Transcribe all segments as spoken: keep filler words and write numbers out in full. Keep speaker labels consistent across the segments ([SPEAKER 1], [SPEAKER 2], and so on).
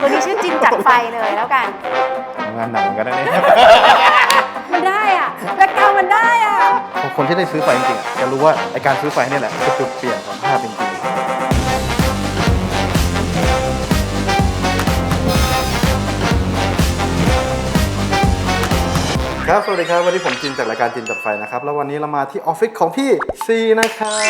[SPEAKER 1] ตัวนี้ชื่อจินจัดไฟเลยแล้วกัน
[SPEAKER 2] งานหนักเหมือนกันนะเนี่ย
[SPEAKER 1] มันได้อ่ะแบคกราวด์มันได้อ่ะ
[SPEAKER 2] คนที่ได้ซื้อไฟจริงๆจะรู้ว่าไอการซื้อไฟนี่แหละคือจุดเปลี่ยนของภาพจริงๆครับสวัสดีครับวันนี้ผมจินจากรายการจินจัดไฟนะครับแล้ววันนี้เรามาที่ออฟฟิศของพี่ซีนะครับ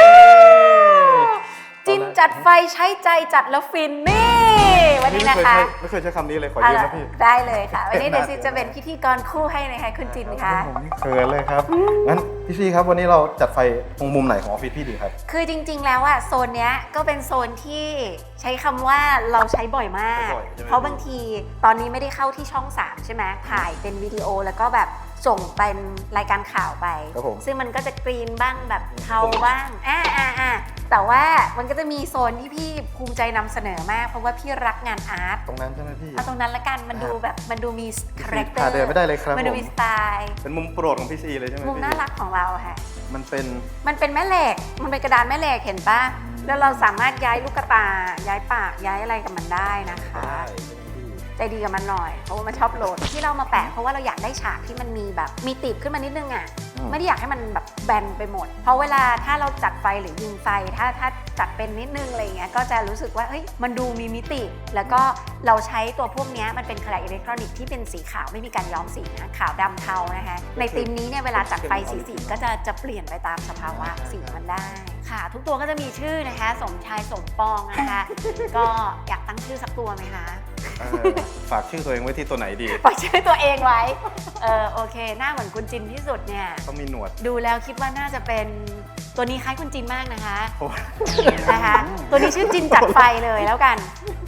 [SPEAKER 1] จินจัดไฟใช้ใจจัดแล้วฟินนี่วันนี้นะคะ
[SPEAKER 2] ไม่เคยใช้คำนี้เลยขอยืมนะพี่
[SPEAKER 1] ได้เลยค่ะวันนี้เดี๋ยวซีจะเป็นพิธีกรคู่ให้นะคะคุณจินค่ะ
[SPEAKER 2] ผมเขินเลยครับงั้นพี่ซีครับวันนี้เราจัดไฟตรงมุมไหนของออฟฟิศพี่ดีครับ
[SPEAKER 1] คือจริงๆแล้วอะโซนเนี้ยก็เป็นโซนที่ใช้คำว่าเราใช้บ่อยมากเพราะบางทีตอนนี้ไม่ได้เข้าที่ช่องสามใช่ไหมถ่ายเป็นวิดีโอแล้วก็แบบส่งเป็นรายการข่าวไปซึ่งมันก็จะกรีนบ้างแบบเทาบ้างอ่าอ่าอ่าแต่ว่ามันก็จะมีโซนที่พี่ภูมิใจนำเสนอมากเพราะว่าพี่รักงานอาร์ต
[SPEAKER 2] ตรงนั้นใช่ไหมพี่
[SPEAKER 1] เอาตรงนั้นละกันมันดูแบบมันดูมีคาแรคเตอร์
[SPEAKER 2] เดินไม่ได้เลยครับ
[SPEAKER 1] มันดูมีสไตล์
[SPEAKER 2] เป็นมุมโปรดของพี่ซีเลยใช่ไหม
[SPEAKER 1] มุมน่ารักของเราค่ะ
[SPEAKER 2] มันเป็น
[SPEAKER 1] มันเป็นแม่เหล็กมันเป็นกระดานแม่เหล็กเห็นปะแล้วเราสามารถย้ายลูกตาย้ายปากย้ายอะไรกับมันได้นะคะใจดีกับมันหน่อยเพราะว่ามันชอบโหลดที่เรามาแปะเพราะว่าเราอยากได้ฉากที่มันมีแบบมีตีบขึ้นมานิดนึงอ่ะไม่ได้อยากให้มันแบบแบนไปหมดเพราะเวลาถ้าเราจัดไฟหรือยิงไฟถ้าถ้าจัดเป็นนิดนึงอะไรเงี้ยก็จะรู้สึกว่าเฮ้ยมันดูมีมิติแล้วก็เราใช้ตัวพวกนี้มันเป็นแคลอิเล็กทรอนิกส์ที่เป็นสีขาวไม่มีการย้อมสีนะขาวดำเทานะคะในธีมนี้เนี่ยเวลาจัดไฟสีสีก็จะจะเปลี่ยนไปตามสภาวะสีมันได้ค่ะทุกตัวก็จะมีชื่อนะคะสมชายสมปองนะคะก็อยากตั้งชื่อสักตัวไหมคะ
[SPEAKER 2] ฝากชื่อตัวเองไว้ที่ตัวไหนดี
[SPEAKER 1] ฝากชื่อตัวเองไว้เออโอเคหน้าเหมือนคุณจินที่สุดเนี่ย
[SPEAKER 2] ต้องมีหนวด
[SPEAKER 1] ดูแล้วคิดว่าน่าจะเป็นตัวนี้คล้ายคุณจินมากนะคะนะคะตัวนี้ชื่อจินจัดไฟเลยแล้วกัน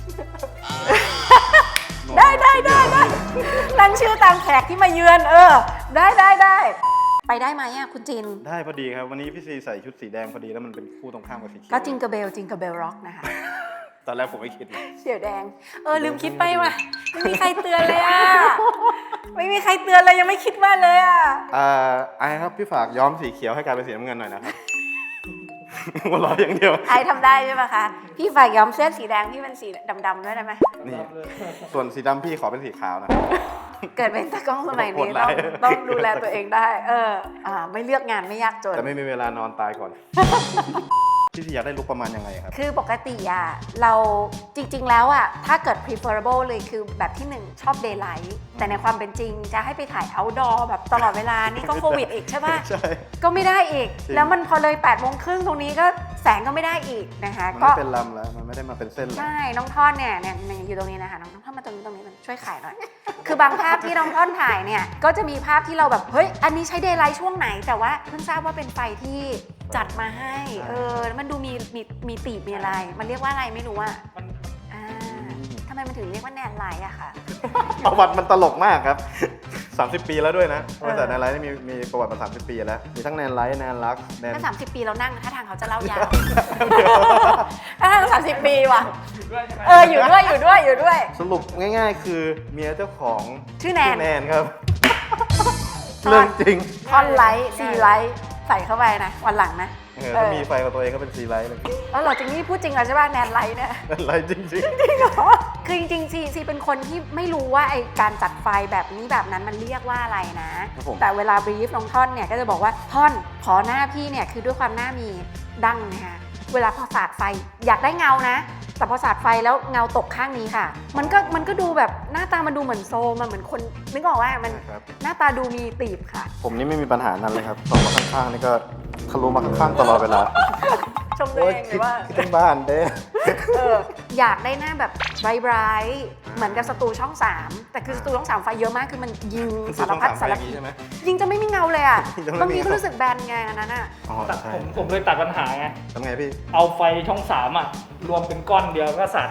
[SPEAKER 1] ได้ได้ได้ได้ตั้งชื่อตามแขกที่มาเยือนเออได้ได้ได้ไปได้ไหมอ่ะคุณจิน
[SPEAKER 2] ได้พอดีครับวันนี้พี่ซีใส่ชุดสีแดงพอดีแล้วมันเป็นคู่ตรงข้ามกับสีเขียว
[SPEAKER 1] ก็จิงกระเบลจิงกระเบลร็อกนะคะ
[SPEAKER 2] ตอนแรกผมไม่คิด
[SPEAKER 1] เสียวแดงเออลืมคิดไปว่ะไม่มีใครเตือนเลยอ่ะไม่มีใครเตือนเลยยังไม่คิดว่าเลยอ่ะ
[SPEAKER 2] อ่าไอ้ครับพี่ฝากย้อมสีเขียวให้กลายเป็นสีน้ำเงินหน่อยนะครับหัวเราะอย่างเดียว
[SPEAKER 1] ไอ้ทำได้ใช่ไหมคะพี่ฝากย้อมเสื้อสีแดงพี่เป็นสีดำๆด้วยได้ไหม
[SPEAKER 2] นี่ส่วนสีดำพี่ขอเป็นสีขาวนะ
[SPEAKER 1] เกิดเป็นตากล้องสมัยนี้ต้องต้องดูแลตัวเองได้เอออ่าไม่เลือกงานไม่ยากจน
[SPEAKER 2] แต่ไม่มีเวลานอนตายก่อนพี่ซีอยากได้ลุคประมาณยังไงครับ
[SPEAKER 1] คือปกติอ่ะเราจริงๆแล้วอ่ะถ้าเกิด preferable เลยคือแบบที่หนึ่งชอบ daylight แต่ในความเป็นจริงจะให้ไปถ่าย outdoor แบบตลอดเวลานี่ก็โควิดอีกใช่ป่ะ
[SPEAKER 2] ใช่
[SPEAKER 1] ก็ไม่ได้อีกแล้วมันพอเลยแปดโมงครึ่งตรงนี้ก็แสงก็ไม่ได้อีกนะคะ
[SPEAKER 2] ก็ไม่เป็นลำแล้วมันไม่ได้มาเป็นเส้น
[SPEAKER 1] ใช่น้องท่อนเนี่ยเนี่ยอยู่ตรงนี้นะคะน้องท่อนมาตรงนี้ตรงนี้ช่วยขายหน่อยคือบางภาพที่น้องท่อนถ่ายเนี่ยก็จะมีภาพที่เราแบบเฮ้ยอันนี้ใช้ daylight ช่วงไหนแต่ว่าเพิ่งทราบว่าเป็นไฟที่จัดมาให้เออมันดูมีมีมีตีบมีอะไรมันเรียกว่าอะไรไม่รู้อ่ะอ่าทำไมมันถึงเรียกว่าแนนไลท์อะคะ
[SPEAKER 2] ประวัติมันตลกมากครับสามสิบปีแล้วด้วยนะบริษัทแนนไลท์มีมีประวัติมาสามสิบปีแล้วมีทั้งแนนไลท์แนนลักแนน
[SPEAKER 1] ถ้าสามสิบปีเรานั่งถ้าทางเขาจะเล่ายาวถ้าทางสามสิบปีว่ะเอออยู่ด้วยอยู่ด้วยอยู่ด้วย
[SPEAKER 2] สรุปง่ายๆคือเมียเจ้าของ
[SPEAKER 1] ชื่อแนน
[SPEAKER 2] แนนครับเรื่องจริง
[SPEAKER 1] คอนไลท์ซีไลท์ใส่เข้าไปนะวันหลังนะ
[SPEAKER 2] ถ้ามีไฟของตัวเองก็เป็นซีไลท์เลย
[SPEAKER 1] แล้วเราจริงนี่พูดจริงเหรอใช่ป่ะแนนไลท์เนี่ย
[SPEAKER 2] แนนไลท์จริงจริง
[SPEAKER 1] จริงเหรอคือจริงๆซีซีเป็นคนที่ไม่รู้ว่าไอการจัดไฟแบบนี้แบบนั้นมันเรียกว่าอะไรนะแต่เวลาบรีฟน้องท่อนเนี่ยก็จะบอกว่าท่อนขอหน้าพี่เนี่ยคือด้วยความหน้ามีดั้งนะคะเวลาพอสาดไฟอยากได้เงานะแต่พอสาดไฟแล้วเงาตกข้างนี้ค่ะมันก็มันก็ดูแบบหน้าตามันดูเหมือนโซมันเหมือนคนนึกออกว่ามันหน้าตาดูมีตีบค่ะ
[SPEAKER 2] ผมนี่ไม่มีปัญหานั้นเลยครับส่องมาข้างๆนี่ก็ทะลุมาข้างๆตลอดเวลา
[SPEAKER 1] ชมตัวเองหรือว่า
[SPEAKER 2] คิดถึงบ้านเด้
[SPEAKER 1] อยากได้หน้าแบบไบรท์เหมือนกับสตูช่องสามแต่คือสตูช่องสามไฟเยอะมากคือมันยิงสารพัดสารพิษยิงจะไม่มีเงาเลยอ่ะบางทีก็รู้สึกแบนไงอันนั้นอ่ะ
[SPEAKER 3] ผมผมเลยตัดปัญหาไง
[SPEAKER 2] ทำไงพี่
[SPEAKER 3] เอาไฟช่องสามอ่ะรวมเป็นก้อนเดียวก็สัตว์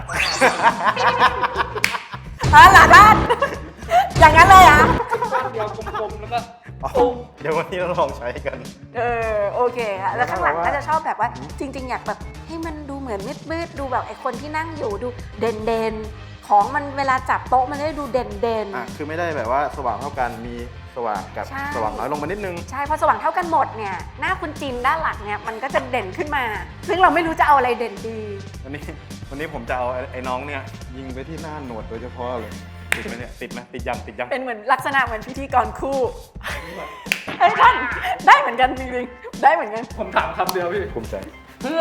[SPEAKER 1] ฮะหลาด้านอย่างนั้นเลยอ่ะ
[SPEAKER 3] ก้อนเดียวกลมๆแล้วก็
[SPEAKER 2] เดี๋ยววันนี้เราลองใช้กัน
[SPEAKER 1] เออโอเคค่ะแล้วข้างหลังก็จะชอบแบบว่าจริงๆอยากแบบให้มันดูเหมือนมืดๆดูแบบไอ้คนที่นั่งอยู่ดูเด่นๆของมันเวลาจับโต๊ะมันจะได้ดูเด่นเด่น
[SPEAKER 2] อ่ะคือไม่ได้แบบว่าสว่างเท่ากันมีสว่างกับ
[SPEAKER 1] ใช่
[SPEAKER 2] สว่างน้อยลงมานิดนึง
[SPEAKER 1] ใช่เพราะสว่างเท่ากันหมดเนี่ยหน้าคุณจินด้านหลังเนี่ยมันก็จะเด่นขึ้นมา ซึ่งเราไม่รู้จะเอาอะไรเด่นดี
[SPEAKER 2] วันนี้วันนี้ผมจะเอาไอ้ไอ้น้องเนี่ยยิงไปที่หน้าหนวดโดยเฉพาะเลยติดไหมเนี่ยติดไหมติดยังติดยัง
[SPEAKER 1] เป็นเหมือนลักษณะเหมือนพิธีกรคู่เฮ้ยท่านได้เหมือนกันจริงๆได้เหมือนกัน
[SPEAKER 3] ผมถามคำเดียวพี่
[SPEAKER 2] ภูมิใจ
[SPEAKER 3] เพื่อ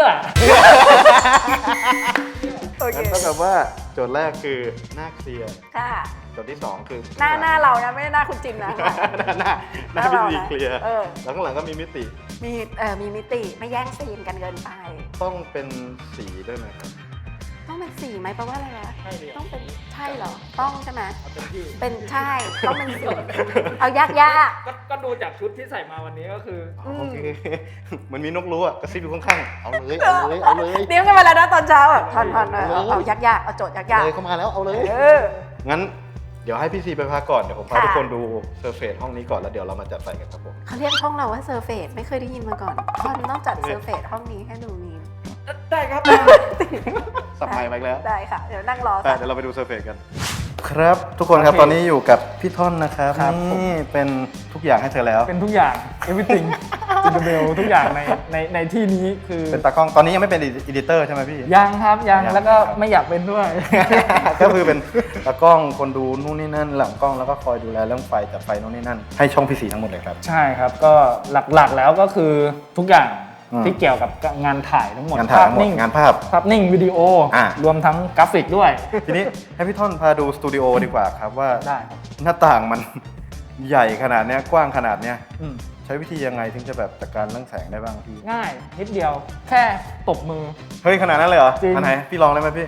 [SPEAKER 1] โอเค
[SPEAKER 2] งั้นเท่ากับว่าโจทย์แรกคือหน้าเคลียร์
[SPEAKER 1] ค่ะ
[SPEAKER 2] โจทย์ที่สองคือ
[SPEAKER 1] หน้าหน้าเรานะไม่ได้หน้าคุณจินนะ
[SPEAKER 2] หน้าหน้าหน้าพิธีเคลียร์
[SPEAKER 1] เออ
[SPEAKER 2] แล้วข้างหลังก็มีมิติ
[SPEAKER 1] มีเอ่อมีมิติไม่แย่งซีนกันเกินไป
[SPEAKER 2] ต้องเป็นสีด้วยไหมครับ
[SPEAKER 1] ต้องเป็นสีไหมแปลว่าอะไรวะ
[SPEAKER 3] ใช่ดิ
[SPEAKER 1] ต้องเป็นใช่เหรอต้องใช่ไหม
[SPEAKER 3] เอาเต็มที่
[SPEAKER 1] เป็นใช่ต้องเป็นสีเอายากยาก
[SPEAKER 3] ก็ก็ดูจากชุดที่ใส่มาวันนี้ก็คือ
[SPEAKER 1] อืม
[SPEAKER 2] โอเคเหมันมีนกรู้อ่ะกระซิบอยู่ข้างๆเอาเลยเอาเลยเอาเลย
[SPEAKER 1] เตรียมกันมาแล้วนะตอนเช้าแบบทอนทอนเอาเอายากยากเอาโจทย์ยากยาก
[SPEAKER 2] เลยเข้ามาแล้วเอาเลย
[SPEAKER 1] เออ
[SPEAKER 2] งั้นเดี๋ยวให้พี่ซีไปพักก่อน เดี๋ยวผมพา
[SPEAKER 1] ค่ะ
[SPEAKER 2] ทุกคนดูเซอร์เฟซห้องนี้ก่อนแล้วเดี๋ยวเรามาจัดไฟกันครับผม
[SPEAKER 1] เขาเรียกห้องเราว่าเซอร์เฟสไม่เคยได้ยินมาก่อนทอนต้องจัดเซอร์เฟสห้องนี้ให้ดูนี้
[SPEAKER 3] ได้ครับ
[SPEAKER 2] สับไมค์มาอีกแล้ว
[SPEAKER 1] ได้ค่ะ เดี๋ยวนั่งรอ
[SPEAKER 2] ไปเดี๋ยวเราไปดูเซอร์เฟซกัน ครับทุกคนครับ
[SPEAKER 3] โอเค
[SPEAKER 2] ตอนนี้อยู่กับพี่ท่อนนะครับ
[SPEAKER 3] ครับผม
[SPEAKER 2] นี่เป็นทุกอย่างให้เธอแล้ว
[SPEAKER 3] เป็นทุกอย่าง everything จินเบลทุกอย่างในในในที่นี้คือ
[SPEAKER 2] เป็นตากล้องตอนนี้ยังไม่เป็นอีดิเตอร์ใช่ไหมพี่
[SPEAKER 3] ยังครับยัง
[SPEAKER 2] ยัง
[SPEAKER 3] แล้วก็
[SPEAKER 2] ครับ
[SPEAKER 3] ไม่อยากเป็นด้วย
[SPEAKER 2] ก็คือเป็นตากล้องคนดูนู่นนี่นั่นหลังกล้องแล้วก็คอยดูแลเรื่องไฟจัดไฟนู่นนี่นั่นให้ช่องพี่สีทั้งหมดเลยครับ
[SPEAKER 3] ใช่ครับก็หลักๆแล้วก็คือทุกอย่าง
[SPEAKER 2] อืม
[SPEAKER 3] ที่เกี่ยวกับงานถ่ายทั้งหมด
[SPEAKER 2] งานถ่ายทั้งหมด
[SPEAKER 3] นิ่ง
[SPEAKER 2] งานภาพ
[SPEAKER 3] ภาพนิ่งวิดีโอ
[SPEAKER 2] อ่ะ
[SPEAKER 3] รวมทั้งกราฟิกด้วย
[SPEAKER 2] ทีนี้ให้พี่ท่อนพาดูสตูดิโอดีกว่าครับว่า
[SPEAKER 3] ได้ครับ
[SPEAKER 2] หน้าต่างมัน ใหญ่ขนาดเนี้ยกว้างขนาดเนี้ย
[SPEAKER 3] อืม
[SPEAKER 2] ใช้วิธียังไงถึงจะแบบจัดการเรื่องแสงได้บ้างพี่
[SPEAKER 3] ง่ายนิดเดียวแค่ตบมือ
[SPEAKER 2] เฮ้ยขนาดนั้นเลยเหรอ
[SPEAKER 3] จริง
[SPEAKER 2] อันไหนพี่ลองได้ไหมพี่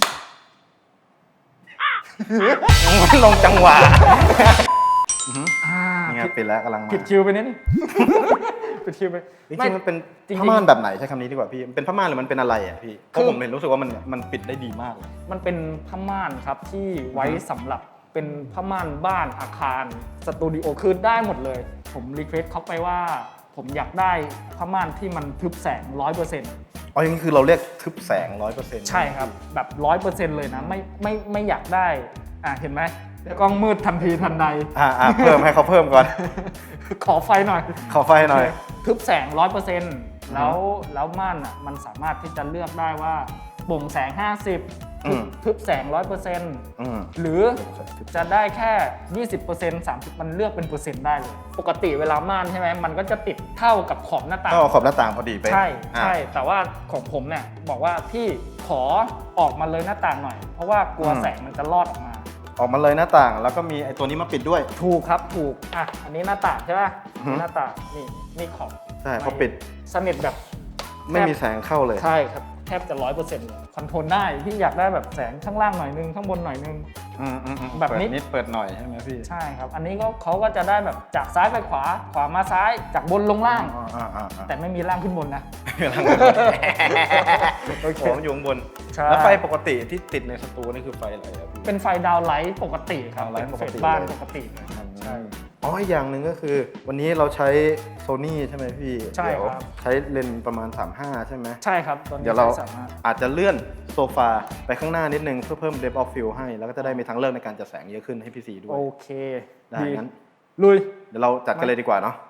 [SPEAKER 2] ลงจังหวะ
[SPEAKER 3] อ่า
[SPEAKER 2] นี่ไง
[SPEAKER 3] ผิด
[SPEAKER 2] ปิดแล้วกำลังมา
[SPEAKER 3] ผิดคิวไปนิดนึง ผิดคิวไป
[SPEAKER 2] จริงๆมันเป็น
[SPEAKER 3] จริงๆ
[SPEAKER 2] ผ้าม่านแบบไหนใช้คำนี้ดีกว่าพี่มันเป็นผ้าม่านหรือมันเป็นอะไรอ่ะพี่เพ
[SPEAKER 3] คือ
[SPEAKER 2] ราะผมเห็นรู้สึกว่ามันมันปิดได้ดีมากเลย
[SPEAKER 3] มันเป็นผ้าม่านครับที่ไว้สำหรับเป็นผ้าม่านบ้านอาคารสตูดิโอคือได้หมดเลย ผมรีเควสเขาไปว่า ผมอยากได้ผ้าม่านที่มันทึบแสง ร้อยเปอร์เซ็นต์
[SPEAKER 2] อ๋ออย่างนี้คือเราเรียกทึบแสงร้อยเปอร์เซ็นต์
[SPEAKER 3] ใช่ครับ แบบ ร้อยเปอร์เซ็นต์ เลยนะ ไม่ไม่ไม่อยากได้อ่ะเห็นไหมกล้องมืดทันทีทันใด
[SPEAKER 2] อ่าอ่าเพิ่มให้เขาเพิ่มก่อน
[SPEAKER 3] ขอไฟหน่อย
[SPEAKER 2] ขอไฟหน่อย
[SPEAKER 3] ทึบแสง ร้อยเปอร์เซ็นต์ แล้วแล้วม่านอ่ะมันสามารถที่จะเลือกได้ว่าโปร่งแสง ห้าสิบ
[SPEAKER 2] อืม
[SPEAKER 3] ทึบแสง ร้อยเปอร์เซ็นต์
[SPEAKER 2] อืม
[SPEAKER 3] หรือจะได้แค่ ยี่สิบเปอร์เซ็นต์ สามสิบ มันเลือกเป็นเปอร์เซ็นต์ได้เลย ปกติเวลาม่านใช่ไหมมันก็จะติดเท่ากับขอบหน้าต่าง
[SPEAKER 2] ก็เอาขอบหน้าต่างพอดีไป
[SPEAKER 3] ใช่
[SPEAKER 2] อ่ะ
[SPEAKER 3] ใช่ แต่ว่าของผมเนี่ยบอกว่าพี่ขอออกมาเลยหน้าต่างหน่อย เพราะว่ากลัว
[SPEAKER 2] อืม
[SPEAKER 3] แสงมันจะลอดออกมา
[SPEAKER 2] ออกมาเลยหน้าต่าง แล้วก็มีไอ้ตัวนี้มาปิดด้วย
[SPEAKER 3] ถูกครับถูกอ่ะอันนี้หน้าต่างใช่ป่ะ
[SPEAKER 2] อือฮึ
[SPEAKER 3] หน้าต่างนี่นี่ขอบ
[SPEAKER 2] ใช่พอปิด
[SPEAKER 3] สนิทแบบ
[SPEAKER 2] ไม่มีแสงเข้าเลย
[SPEAKER 3] ใช่ครับแทบจะร้อยเปอร์เซ็นต์เลยคอนโทรลได้พี่อยากได้แบบแสงข้างล่างหน่อยนึงข้างบนหน่อยนึง
[SPEAKER 2] อืมอืมอืม
[SPEAKER 3] แบบนี้
[SPEAKER 2] เปิดนิดเปิดหน่อยใช่ไหมพี่
[SPEAKER 3] ใช่ครับ อันนี้ก็เขาก็จะได้แบบจากซ้ายไปขวาขวามาซ้ายจากบนลงล่าง
[SPEAKER 2] อ่าอ่าอ่าอ่า
[SPEAKER 3] แต่ไม่มีล่างขึ้นบนนะ
[SPEAKER 2] ล่างโอเคผมอยู่ข้างบน
[SPEAKER 3] ใช่
[SPEAKER 2] แล้วไฟปกติที่ติดในสตูนี่คือไฟอะไรครับพี่
[SPEAKER 3] เป็นไฟดาวไลท์ปกติครับ
[SPEAKER 2] ดาวไลท์
[SPEAKER 3] เป็น
[SPEAKER 2] ปกติ
[SPEAKER 3] เฟสบ้าน
[SPEAKER 2] เลย
[SPEAKER 3] ปกติเลยครับใช่
[SPEAKER 2] อ๋ออีกอย่างหนึ่งก็คือ วันนี้เราใช้โซนี่ใช่ไหมพี่
[SPEAKER 3] ใช่
[SPEAKER 2] เดี๋ยว
[SPEAKER 3] ครับ
[SPEAKER 2] ใช้เลนส์ประมาณ สามห้า ใช่ไหม
[SPEAKER 3] ใช่ครับตอนนี้
[SPEAKER 2] เดี๋ยวเรา
[SPEAKER 3] สามารถ
[SPEAKER 2] อาจจะเลื่อนโซฟาไปข้างหน้านิดนึงเพื่อเพิ่ม depth of field ให้ แล้วก็จะได้มีทางเลือกในการจัดแสงเยอะขึ้นให้พี่สีด้วย
[SPEAKER 3] โอเค
[SPEAKER 2] ได้งั้น
[SPEAKER 3] ลุย
[SPEAKER 2] เดี๋ยวเราจัดกันเลยดีกว่าเนาะ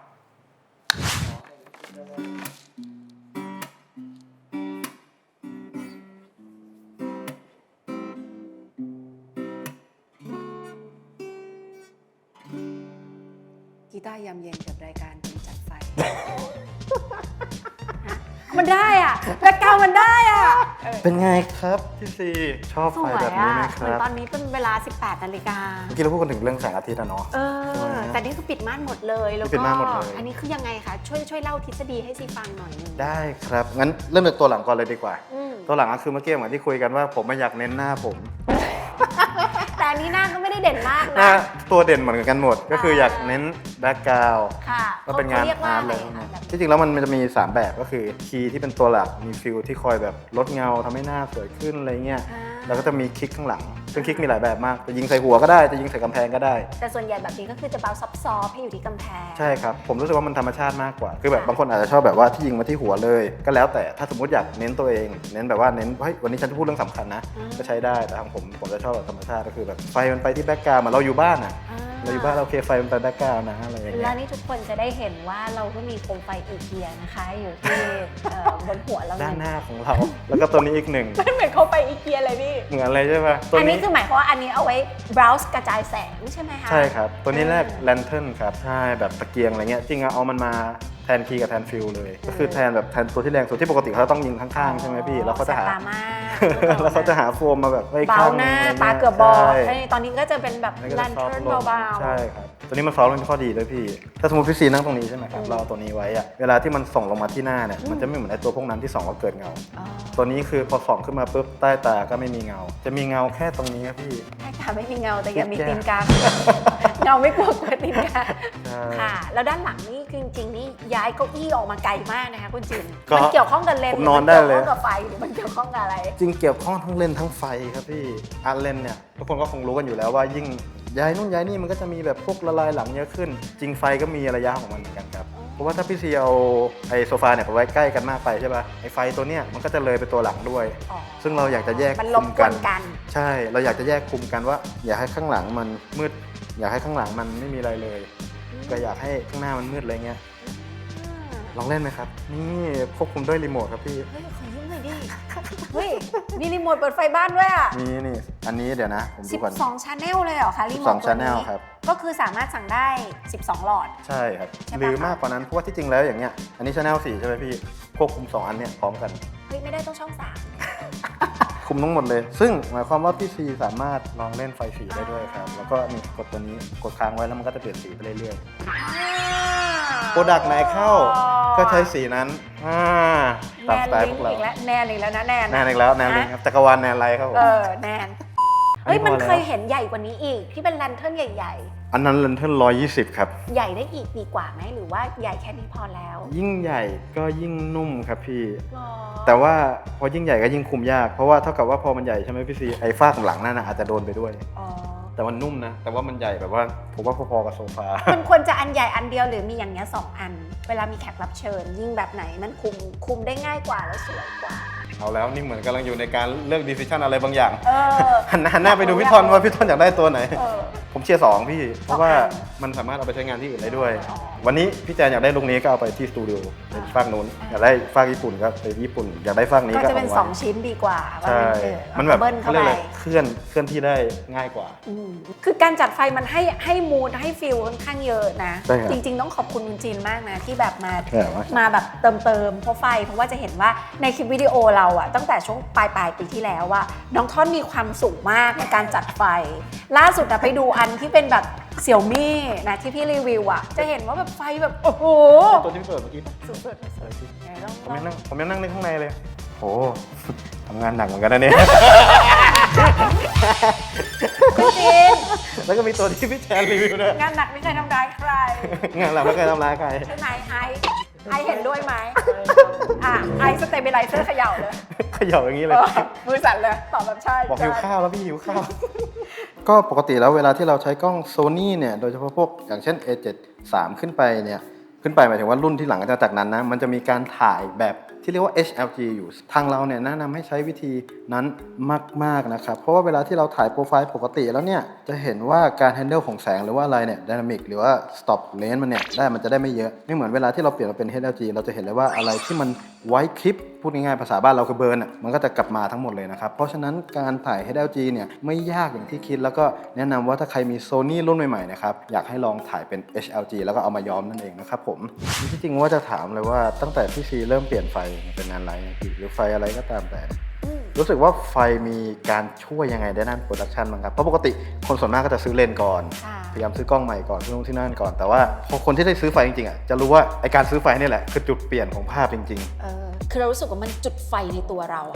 [SPEAKER 1] กีตาร์ยามเย็นกับรายการเป็นจัดไฟ มันได้อ่ะรายการมันได้อ่ะ
[SPEAKER 2] เป็นไงครับพี่ซีชอบ
[SPEAKER 1] ส
[SPEAKER 2] ไฟ
[SPEAKER 1] วย
[SPEAKER 2] แบบนี้
[SPEAKER 1] อ่ะ
[SPEAKER 2] ไหมค
[SPEAKER 1] เหมือน
[SPEAKER 2] รับ
[SPEAKER 1] ตอนนี้เป็นเวลา สิบแปดนาฬิกา
[SPEAKER 2] เมื่อกี้เราพูดกันถึงเรื่องแสงอาทิตย์อะเนาะ
[SPEAKER 1] เออ แต่นี่คือปิดม่านหมดเลยแล้ว
[SPEAKER 2] ปิ
[SPEAKER 1] ก็
[SPEAKER 2] ดม่านหมดเลย
[SPEAKER 1] อันนี้คือยังไงคะช่วยช่วยเล่าทฤษฎีให้ซีฟังหน่อยหนึง
[SPEAKER 2] ได้ครับ งั้นเริ่มจากตัวหลังก่อนเลยดีกว่า
[SPEAKER 1] อืม
[SPEAKER 2] ตัวหลังก็คือเมื่อกี้เหมือนที่คุยกันว่าผมไม่อยากเน้นหน้าผม
[SPEAKER 1] แต่อันนี้หน้าก็ไม่ได้เด่นมาก
[SPEAKER 2] หน้า
[SPEAKER 1] นะ
[SPEAKER 2] ตัวเด่นเหมือนกันหมด ก็คืออยากเน้นแบ็กกราวด์
[SPEAKER 1] ค่ะ
[SPEAKER 2] ก็เป็นงาน
[SPEAKER 1] ขรียว่
[SPEAKER 2] อาร์ต
[SPEAKER 1] อะ
[SPEAKER 2] เล
[SPEAKER 1] ไร
[SPEAKER 2] ย
[SPEAKER 1] คะแบบ
[SPEAKER 2] ที่จริงแล้วมันจะมีสามแบบก็คือคีย์ที่เป็นตัวหลักมีฟิลที่คอยแบบลดเงาทำให้หน้าสวยขึ้นอะไรเงี้ย
[SPEAKER 1] อ่า
[SPEAKER 2] แล้วก็จะมีคลิกข้างหลังซึ่งคลิกมีหลายแบบมากจะยิงใส่หัวก็ได้จะยิงใส่กำแพงก็ได้
[SPEAKER 1] แต่ส่วนใหญ่แบบนี้ก็คือจะเบาซอฟต์ๆให้อยู่ที่กำแพง
[SPEAKER 2] ใช่ครับผมรู้สึกว่ามันธรรมชาติมากกว่าคือแบบบางคนอาจจะชอบแบบว่าที่ยิงมาที่หัวเลย ก็แล้วแต่ถ้าสมมติอยากเน้นตัวเอง เน้นแบบว่าเน้นเฮ้ยวันนี้ฉันจะพูดเรื่องสำคัญนะ
[SPEAKER 1] อืม
[SPEAKER 2] ก็ใช้ได้แต่ทางผมผมจะชอบแบบธรรมชาติก็คือแบบไฟมันไปที่แบ็กกราวด์เหมือนเราอยู่บ้านอ่ะ
[SPEAKER 1] อ่า
[SPEAKER 2] เราอยู่บ้านเราโอเคไฟมันไปแบ็กกราวด์นะอะไรอย่างเงี้
[SPEAKER 1] แล้
[SPEAKER 2] ยว
[SPEAKER 1] นี่ทุกคนจะได้เห็นว่าเราก็มีโคมไฟอีเกียนะคะ อยู่ที่เอ่อบนหัวเรา
[SPEAKER 2] ด้านหน้าของเรา แล้วก็ตัวนี้อีกหนึ่ง
[SPEAKER 1] มันเหมือนโคมไฟอีเกียเลยพี่
[SPEAKER 2] เหมือนอะไรใช่ปะตัว
[SPEAKER 1] อันนี้
[SPEAKER 2] นี้
[SPEAKER 1] คือหมายความว่าอันนี้เอาไว้ browse กระจายแสงใช่ไหมคะ
[SPEAKER 2] ใช่ครับ ตัวนี้แรกแลนเทิร์นครับใช่แบบตะเกียงอะไรเงี้ยจริงๆเอามันมาแทนคีย์กับแทนฟิลเลย ก็คือแทนแบบแทนตัวที่แรงสุดที่ปกติเขาต้องยิงข้างๆใช่ไหมพี่แล้วเขาจะหา
[SPEAKER 1] แสบตามาก
[SPEAKER 2] แล้วเขาจะหาโฟมมาแบบไว้
[SPEAKER 1] เบา
[SPEAKER 2] ข้าง
[SPEAKER 1] หน้า
[SPEAKER 2] ะไรงี้ย
[SPEAKER 1] ตาเกือบบอด
[SPEAKER 2] ใช่
[SPEAKER 1] เอ้ยตอนนี้ก็จะเป็นแบบ
[SPEAKER 2] อันนี้ก็
[SPEAKER 1] แล
[SPEAKER 2] จะ
[SPEAKER 1] น
[SPEAKER 2] ซอฟ
[SPEAKER 1] เทิร์น
[SPEAKER 2] ต์ลง
[SPEAKER 1] เบาๆ
[SPEAKER 2] ใช่ครับตัวนี้มันซอฟต์ลงเป็นข้อดีด้วยพี่ ถ้าสมมติพี่ซีนั่งตรงนี้ใช่ไหมครับ
[SPEAKER 1] อืม
[SPEAKER 2] เราเอาตัวนี้ไว้อะเวลาที่มันส่องลงมาที่หน้าเนี่ย
[SPEAKER 1] อืม
[SPEAKER 2] มันจะไม่เหมือนไอ้ตัวพวกนั้นที่ส่องแล้วเกิดเงา
[SPEAKER 1] อ๋อ
[SPEAKER 2] ตัวนี้คือพอส่องขึ้นมาปุ๊บใต้ตาก็ไม่มีเงา จะมีเงาแค่ตรงนี้ครับพี่
[SPEAKER 1] ใช่ค่ะไม่มีเงาแต่อย่ามี
[SPEAKER 2] แย่
[SPEAKER 1] ตีนกา เงาไม่กลัวกลัวตีนกา
[SPEAKER 2] ใช่
[SPEAKER 1] ค่ะ แล้วด้านหลังนี่คือจริงๆนี่ย้ายเก้าอี้ออกมาไกลมากนะคะคุณจิน
[SPEAKER 2] ก็
[SPEAKER 1] มันเกี่ยวข้องกับเลนส์
[SPEAKER 2] ผมนอนได้เลย
[SPEAKER 1] หรือมันเกี่ยวข้องกับไฟหรือมันเกี่ยวข้องกับอะไร
[SPEAKER 2] จริงเกี่ยวข้องทั้งเลนส์ทั้งไฟครับพี่อาร์ตเลนส์เนี่ยทุกคนก็คงรู้กันอยู่แล้วว่ายิ่งย้ายนู่นย้ายนี่มันก็จะมีแบบพวกละลายหลังเยอะขึ้น จริงไฟก็มีระยะของมันเหมือนกันครับเพราะว่าถ้าพี่ซีเอาไอ้โซฟาเนี่ยไปไว้ใกล้กันมากไปใช่ป่ะไอ้ไฟตัวเนี้ยมันก็จะเลยไปตัวหลังด้วย
[SPEAKER 1] อ๋อ
[SPEAKER 2] ซึ่งเราอยากจะแยก
[SPEAKER 1] มันล
[SPEAKER 2] คุ
[SPEAKER 1] บ
[SPEAKER 2] ม
[SPEAKER 1] ก
[SPEAKER 2] กั
[SPEAKER 1] วน นกัน
[SPEAKER 2] ใช่เราอยากจะแยกคุมกันว่า อยากให้ข้างหลังมันมืด อยากให้ข้างหลังมันไม่มีอะไรเลย ก็อยากให้ข้างหน้ามันมืดอะไรเงี้ยลองเล่นไหมครับนี่ควบคุมด้วยรีโมทครับพี่
[SPEAKER 1] เฮ้ยขอยืมหน่อยดิ เฮ้ยมีรีโมทเปิดไฟบ้านด้วยอ่ะ
[SPEAKER 2] มีนี่อันนี้เดี๋ยวนะผมดูก่อน
[SPEAKER 1] สิบสอง channel เลยเหรอคะรีโมท
[SPEAKER 2] สิบสอง
[SPEAKER 1] ตัวนี้
[SPEAKER 2] channel ครับ
[SPEAKER 1] ก็คือสามารถสั่งได้ สิบสอง หลอด
[SPEAKER 2] ใช่ครับ
[SPEAKER 1] ใช่ปะ
[SPEAKER 2] หรือมากกว่านั้นเพราะว่าที่จริงแล้วอย่างเงี้ยอันนี้ชาแนลสี่ใช่ไหมพี่ควบคุมสองอันเนี้ยพร้อมกัน
[SPEAKER 1] เฮ้ยไม่ได้ต้องช่องสาม
[SPEAKER 2] คุมทั้งหมดเลย ซึ่งหมายความว่าพี่ซีสามารถลองเล่นไฟสีได้ด้วยครับแล้วก็นี่กดตัวนี้กดค้างไว้แล้วมันก็จะเปลี่ยนสีไปเรื่อยๆ โปรดักต์ไหนเข้าก็ใช้สีนั้นอ่าตาม
[SPEAKER 1] แน
[SPEAKER 2] ส
[SPEAKER 1] น
[SPEAKER 2] ไตล์
[SPEAKER 1] ลิ
[SPEAKER 2] พ
[SPEAKER 1] ง
[SPEAKER 2] วกเรา
[SPEAKER 1] อีกแล้วแนนอีกแล้วนะแนน
[SPEAKER 2] แนนอีกแล้วแนนลิงครับจักรวาลแนนไลท์ครับผม
[SPEAKER 1] เออแนน
[SPEAKER 2] อันนี้
[SPEAKER 1] เฮ้ยมัน
[SPEAKER 2] พอแล้ว
[SPEAKER 1] เคยเห็นใหญ่กว่านี้อีก ที่เป็นแลนเทิร์นใหญ่
[SPEAKER 2] อันนั้นเลนเทิร์นร้อยยี่สิบครับ
[SPEAKER 1] ๆ ใหญ่ได้อีกดีกว่าไหมหรือว่าใหญ่แค่นี้พอแล้ว
[SPEAKER 2] ยิ่งใหญ่ก็ยิ่งนุ่มครับพี่
[SPEAKER 1] หรอ
[SPEAKER 2] แต่ว่าพอยิ่งใหญ่ก็ยิ่งคุมยากเพราะว่าเท่ากับว่าพอมันใหญ่ใช่ไหมพี่ซีไอ้ฝ้าของหลังนั่นนะอาจจะโดนไปด้วย
[SPEAKER 1] อ๋อ
[SPEAKER 2] แต่มันนุ่มนะ แต่ว่ามันใหญ่แบบว่าผมว่าพอๆกับโซฟา
[SPEAKER 1] มันควรจะอันใหญ่อันเดียวหรือมีอย่างเงี้ยสองอัน เวลามีแขกรับเชิญ ยิ่งแบบไหนมันคุมคุมได้ง่ายกว่าแล้วสวยกว่า
[SPEAKER 2] เอาแล้วนี่เหมือนกำลังอยู่ในการเลือกดีซิชันอะไรบางอย่าง
[SPEAKER 1] เออ
[SPEAKER 2] หันหน้าหันหน้าไปดูพี่ทอนว่าพี่ทอนอยากได้ตัวไหน
[SPEAKER 1] เออ
[SPEAKER 2] ผมเชียร์สองพี่ เพราะว่า
[SPEAKER 1] สองอัน
[SPEAKER 2] มันสามารถเอาไปใช้งานที่อื่นได้ด้วย
[SPEAKER 1] อ๋อ
[SPEAKER 2] วันนี้พี่แจนอยากได้ลุคนี้ก็เอาไปที่สตูดิโอเป็นฝากนู้นอยากได้ฝากญี่ปุ่นก็ไปญี่ปุ่น อยากได้ฝากนี้
[SPEAKER 1] ก็
[SPEAKER 2] ก็
[SPEAKER 1] จะเป็น
[SPEAKER 2] เอา
[SPEAKER 1] ส
[SPEAKER 2] ไว้
[SPEAKER 1] องชิ้นดีกว่าว่า
[SPEAKER 2] ใช่
[SPEAKER 1] เออ
[SPEAKER 2] มันแบบ
[SPEAKER 1] เบิ้ล
[SPEAKER 2] เขา
[SPEAKER 1] เข้า
[SPEAKER 2] เรียก
[SPEAKER 1] ไป
[SPEAKER 2] อะไรเคลื่อนเคลื่อนที่ได้ง่ายกว่า
[SPEAKER 1] อืมคือการจัดไฟมันให้ให้มูดให้ฟิลค่อนข้างเยอะนะ
[SPEAKER 2] ใช่ครับ
[SPEAKER 1] จริง ๆ ต้องขอบคุณคุณจีนมากนะ ที่แบบมา
[SPEAKER 2] ใช่ครับ
[SPEAKER 1] มาแบบเติมเติมเพราะไฟ เพราะว่าจะเห็นว่าในคลิปวิดีโอเราอะตั้งแต่ช่วงปลายปลายปีที่แล้วว่าน้องท่อนมีความสุขมากในการจัดไฟ ล่าสุดอะไปดูอันที่เป็นแบบเสี่ยวมี่นะที่พี่รีวิวอะจะเห็นว่าแบบไฟแบบโอ้โห
[SPEAKER 2] ตัวที่พี่เปิดเมื่อกี้
[SPEAKER 1] สุดๆสุดๆไหนลอง
[SPEAKER 2] ผมยังนั่งผมยังนั่งในข้างในเลยโอ้ ทำงานหนักเหมือนกันนะเนี่ย
[SPEAKER 1] คุณจีน
[SPEAKER 2] แล้วก็มีตัวที่พี่แจนรีวิวด้วย
[SPEAKER 1] งานหนักไม่เคยทำร้ายใคร
[SPEAKER 2] งานเราไม่เคยทำร้ายใคร
[SPEAKER 1] ใช่ไหมไอซ์ไอซ์เห็นด้วยไหมอ่ะไอซ์สเตเบลไลเซอร์เขย่าเลย
[SPEAKER 2] เขย่าอย่างนี้เลย
[SPEAKER 1] เออมือสั่นเลยตอบแบบใช่
[SPEAKER 2] บอกหิว
[SPEAKER 1] ใช่
[SPEAKER 2] ข้าวแล้วพี่หิวข้าว ก็ปกติแล้วเวลาที่เราใช้กล้องโซนี่เนี่ยโดยเฉพาะพวกอย่างเช่น เอ เจ็ดสิบสาม ขึ้นไปเนี่ยขึ้นไปหมายถึงว่ารุ่นที่หลังจากนั้นนะมันจะมีการถ่ายแบบที่เรียกว่า เอช แอล จี อยู่ทางเราเนี่ยแนะนำให้ใช้วิธีนั้นมากๆนะครับเพราะว่าเวลาที่เราถ่ายโปรไฟล์ปกติแล้วเนี่ยจะเห็นว่าการ handle ของแสงหรือว่าอะไรเนี่ย dynamic หรือว่า stop lens มันเนี่ยได้มันจะได้ไม่เยอะไม่เหมือนเวลาที่เราเปลี่ยนมาเป็น เอช แอล จี เราจะเห็นเลยว่าอะไรที่มันไว้คลิปพูดง่ายๆภาษาบ้านเราคือเบิร์นอ่ะมันก็จะกลับมาทั้งหมดเลยนะครับเพราะฉะนั้นการถ่าย เอช แอล จี เนี่ยไม่ยากอย่างที่คิดแล้วก็แนะนำว่าถ้าใครมี Sony รุ่นใหม่ๆนะครับอยากให้ลองถ่ายเป็น เอช แอล จี แล้วก็เอามาย้อมนั่นเองนะครับผมที่จริงว่าจะถามเลยว่าตั้งแต่พี่ซีเริ่มเปลี่ยนไฟเป็นงานไลท์หรือไฟอะไรก็ตามแต่
[SPEAKER 1] อืม
[SPEAKER 2] รู้สึกว่าไฟมีการช่วยยังไงด้านโปรดักชันบ้างครับเพราะปกติคนส่วนมากก็จะซื้อเลนส์ก่อน
[SPEAKER 1] ค่ะ
[SPEAKER 2] พยายามซื้อกล้องใหม่ก่อนซื้อนู่นที่นั่นก่อนแต่ว่าพอคนที่ได้ซื้อไฟจริงๆอ่ะจะรู้ว่าไอการซื้อไฟนี่แหละคือจุดเปลี่ยนของภาพจริง
[SPEAKER 1] เออคือเรารู้สึกว่ามันจุดไฟในตัวเราอะค่ะ
[SPEAKER 2] ๆ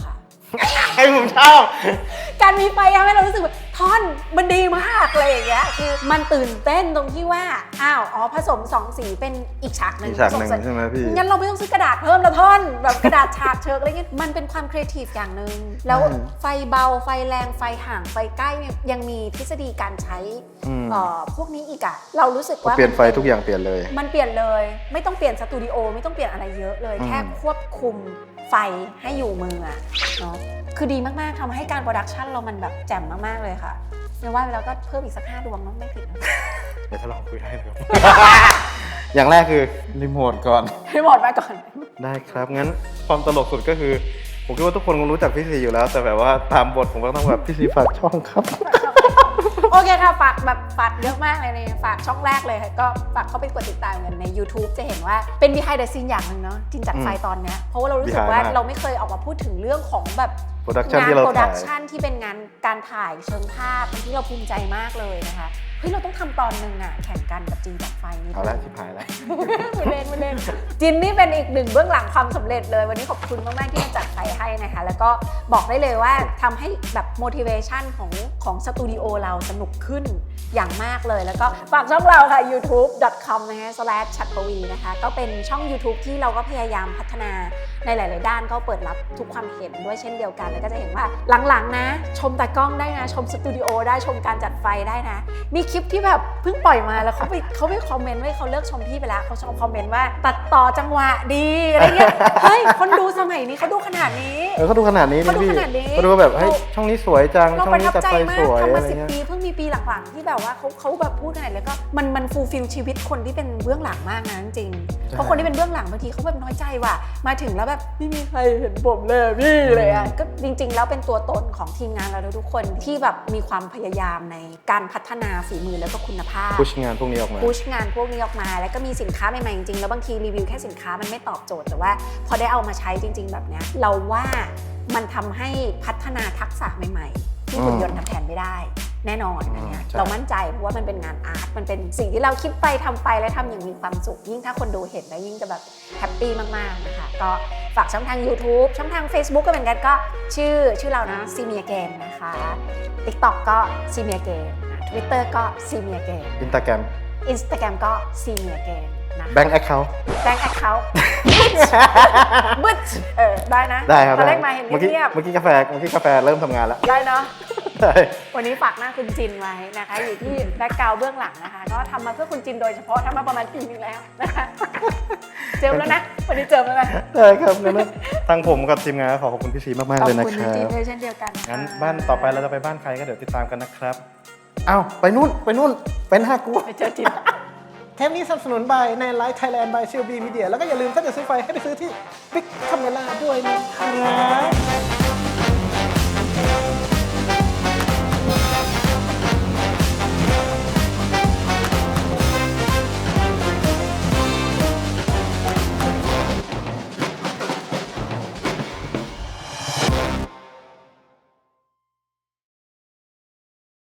[SPEAKER 2] ไอ้ผมชอบ
[SPEAKER 1] การมีไฟทำให้เรารู้สึกว่าท่อนมันดีมากเลยอย่างเงี้ยคือมันตื่นเต้นตรงที่ว่าอ้าวอ๋อผสมสองสีเป็นอีกฉากหนึ่ง
[SPEAKER 2] อีกฉากหนึ่ง
[SPEAKER 1] ผสม
[SPEAKER 2] ใช่ไหมพี่
[SPEAKER 1] งั้นเราไม่ต้องซื้อกระดาษเพิ่มละท่อนแบบกระดาษฉากเชิกอะไรเงี้ยมันเป็นความครีเอทีฟอย่างหนึ่งแล้ว
[SPEAKER 2] อืม
[SPEAKER 1] ไฟเบาไฟแรงไฟห่างไฟใกล้เนี่ยยังมีทฤษฎีการใช้
[SPEAKER 2] อืม
[SPEAKER 1] เอ่อพวกนี้อีกอะเรารู้สึกว่า
[SPEAKER 2] เปลี่ยนไฟทุกอย่างเปลี่ยนเลย
[SPEAKER 1] มันเปลี่ยนเลยไม่ต้องเปลี่ยนสตูดิโอไม่ต้องเปลี่ยนอะไรเยอะเลย
[SPEAKER 2] อืม
[SPEAKER 1] แค่ควบคุมไฟให้อยู่มืออะเนาะคือดีมากๆทำให้การโปรดักชันเรามันแบบแจ่มมากๆเลยค่ะไม่ว่าไปแล้วก็เพิ่มอีกสักห้าดวงเนาะไม่ผิดนะ
[SPEAKER 2] เดี๋ยวถ้าลองคุยได้เลย อย่างแรกคือรีโมทก่อน
[SPEAKER 1] ให้หมดมาก่อน
[SPEAKER 2] ได้ครับ งั้นความตลกสุดก็คือ ผมคิดว่าทุกคนคงรู้จักพี่ซีอยู่แล้ว แต่แบบว่าตามบทผมก็ต้องแบบพี่ซีฝากช่องครับ
[SPEAKER 1] โอเคค่ะฝากแบบฝากเยอะมากเลยเนี่ยฝากช่องแรกเลยค่ะก็ฝากเข้าไปกดติดตามกันใน YouTube จะเห็นว่าเป็น behind the scene อย่างหนึ่งเนาะจินจัดไฟตอนเนี้ยเพราะว่าเรารู้สึกว่า
[SPEAKER 2] behind มาก
[SPEAKER 1] เราไม่เคยออกมาพูดถึงเรื่องของแบบ
[SPEAKER 2] โปรดักชัน
[SPEAKER 1] งาน
[SPEAKER 2] ที่เรา
[SPEAKER 1] โปรดั
[SPEAKER 2] ถ่าก ย
[SPEAKER 1] ชันที่เป็นงานการถ่ายเชิงภาพเป็นที่เราภูมิใจมากเลยนะคะเฮ้ยเราต้องทำตอนหนึ่งอะแข่งกันกับจินจัดไฟนี่
[SPEAKER 2] เอาละชิบหายแล้ว
[SPEAKER 1] ไม่เล่นไม่เล่นจินนี่เป็นอีกหนึ่งเบื้องหลังความสำเร็จเลย วันนี้ขอบคุณมากๆที่มาจัดไฟให้นะคะ แล้วก็บอกได้เลยว่าทำให้แบบ motivation ของของสตูดิโอเราสนุกขึ้นอย่างมากเลย แล้วก็ฝากช่องเราค่ะ ยูทูบ ดอท คอม นะคะ สแลช ชัดปวีนะคะก็เป็นช่อง YouTube ที่เราก็พยายามพัฒนาในหลาย ๆ ด้านก็เปิดรับทุกความเห็นด้วยเช่นเดียวกันแล้วก็จะเห็นว่าหลัง ๆ นะ ชมตากล้องได้นะ ชมสตูดิโอได้ชมการจัดไฟได้นะ มีคลิปที่แบบเพิ่งปล่อยมาแล้วเขาไปเขาไปคอมเมนต์ไว้เขาเลิกชมพี่ไปแล้วเขาชมคอมเมนต์ว่าตัดต่อจังหวะดีอะไรเงี้ย เฮ้ยคนดูสมัยนี้เขาดูขนาดนี้
[SPEAKER 2] เออเขาดูขนาดนี้
[SPEAKER 1] เขา
[SPEAKER 2] นี่
[SPEAKER 1] ดู
[SPEAKER 2] พี่
[SPEAKER 1] ขนาดนี้
[SPEAKER 2] เขาดูว่าแบบเฮ้ยช่องนี้สวยจัง
[SPEAKER 1] เรา
[SPEAKER 2] ช่อง
[SPEAKER 1] ประ
[SPEAKER 2] นี้
[SPEAKER 1] ทับ
[SPEAKER 2] จัด
[SPEAKER 1] ใจ
[SPEAKER 2] ไฟ
[SPEAKER 1] มา
[SPEAKER 2] ส
[SPEAKER 1] ก
[SPEAKER 2] วย
[SPEAKER 1] ทำ
[SPEAKER 2] อะ
[SPEAKER 1] มา
[SPEAKER 2] ไร
[SPEAKER 1] สิบ
[SPEAKER 2] เงี้ย
[SPEAKER 1] ปีเพิ่งมีปีหลังๆที่แบบว่าเขาเขาแบบพูดขนาดแล้วก็มันมันฟูลฟิลชีวิตคนที่เป็นเบื้องหลังมากนะจริงๆเพราะคนที่เป็นเบื้องหลังบางทีเขาแบบน้อยใจว่ะมาถึงแล้วแบบไม่มีใครเห็นผมเลยพี่เลยอ่ะก็จริง ๆ แล้วเป็นตัวตนของทีมงานเราทุกคนที่แบบมีความพยายามในการพัฒนาฝีมือแล้วก็คุณภาพ
[SPEAKER 2] พุชงานพวกนี้ออกมา
[SPEAKER 1] พุชงานพวกนี้ออกมาแล้วก็มีสินค้าใหม่ๆจริงๆแล้วบางทีรีวิวแค่สินค้ามันไม่ตอบโจทย์แต่ว่าพอได้เอามาใช้จริง ๆ แบบเนี้ยเราว่ามันทำให้พัฒนาทักษะใหม่ๆที่หุ่นยนต์ทำแทนไม่ได้แน่นอนอันเนี้ย
[SPEAKER 2] ใช่
[SPEAKER 1] เรามั่นใจเพราะว่ามันเป็นงานอาร์ตมันเป็นสิ่งที่เราคิดไปทำไปและทำอย่างมีความสุขยิ่งถ้าคนดูเห็นแล้วยิ่งจะแบบแฮปปี้มากๆนะคะก็ฝากช่องทาง YouTube ช่องทาง Facebook ก็เหมือนกันก็ชื่อชื่อเรานะ See Me Again นะคะ TikTok ก็ See Me Again นะ Twitter ก็ See Me Again
[SPEAKER 2] อินสตาแกรม
[SPEAKER 1] Instagram ก็ See Me Again นะ
[SPEAKER 2] แบงค์แอคเคาท์
[SPEAKER 1] Bank Account บึ้ดเออได้นะ
[SPEAKER 2] ได้ครับ
[SPEAKER 1] ตอนแร
[SPEAKER 2] ได้
[SPEAKER 1] กมาเห็น
[SPEAKER 2] เมื่อกี้
[SPEAKER 1] เงียบ
[SPEAKER 2] เมื่อกี้กาแฟเมื่อกี้กาแฟเริ่มทำงานแล้ว
[SPEAKER 1] ๆได้เนาะ
[SPEAKER 2] ใช่
[SPEAKER 1] วันนี้ฝากหน้าคุณจินไว้นะคะ อยู่ที่แบ็คกราวด์เบื้องหลังนะคะ ก็ทำมาเพื่อคุณจินโดยเฉพาะทำมาประมาณปีนึงแล้วนะคะ เจิมแล้วนะ วันนี้เจิมแล้วนะ
[SPEAKER 2] ได้ครับงั้นทางผมกับทีมงานก็ขอขอบคุณพี่ซีมาก
[SPEAKER 1] ข
[SPEAKER 2] ๆ
[SPEAKER 1] อบ
[SPEAKER 2] เลยนะ
[SPEAKER 1] คุณ
[SPEAKER 2] ครั
[SPEAKER 1] จิน
[SPEAKER 2] บ
[SPEAKER 1] เลยเช่นเดียวกันนะคะ
[SPEAKER 2] งั้นบ้านต่อไปเราจะไปบ้านใครก็เดี๋ยวติดตามกันนะครับอ้าวไปนู่นไปนู่นเป็นห้ากู
[SPEAKER 1] ไปเจอจิน
[SPEAKER 2] เทปนี้สนับสนุน by ในไลฟ์ไทยแลนด์ by ซี แอล บี Media แล้วก็อย่าลืมถ้าจะซื้อไฟให้ไปซื้อที่ Big Camera ด้วยนะครับ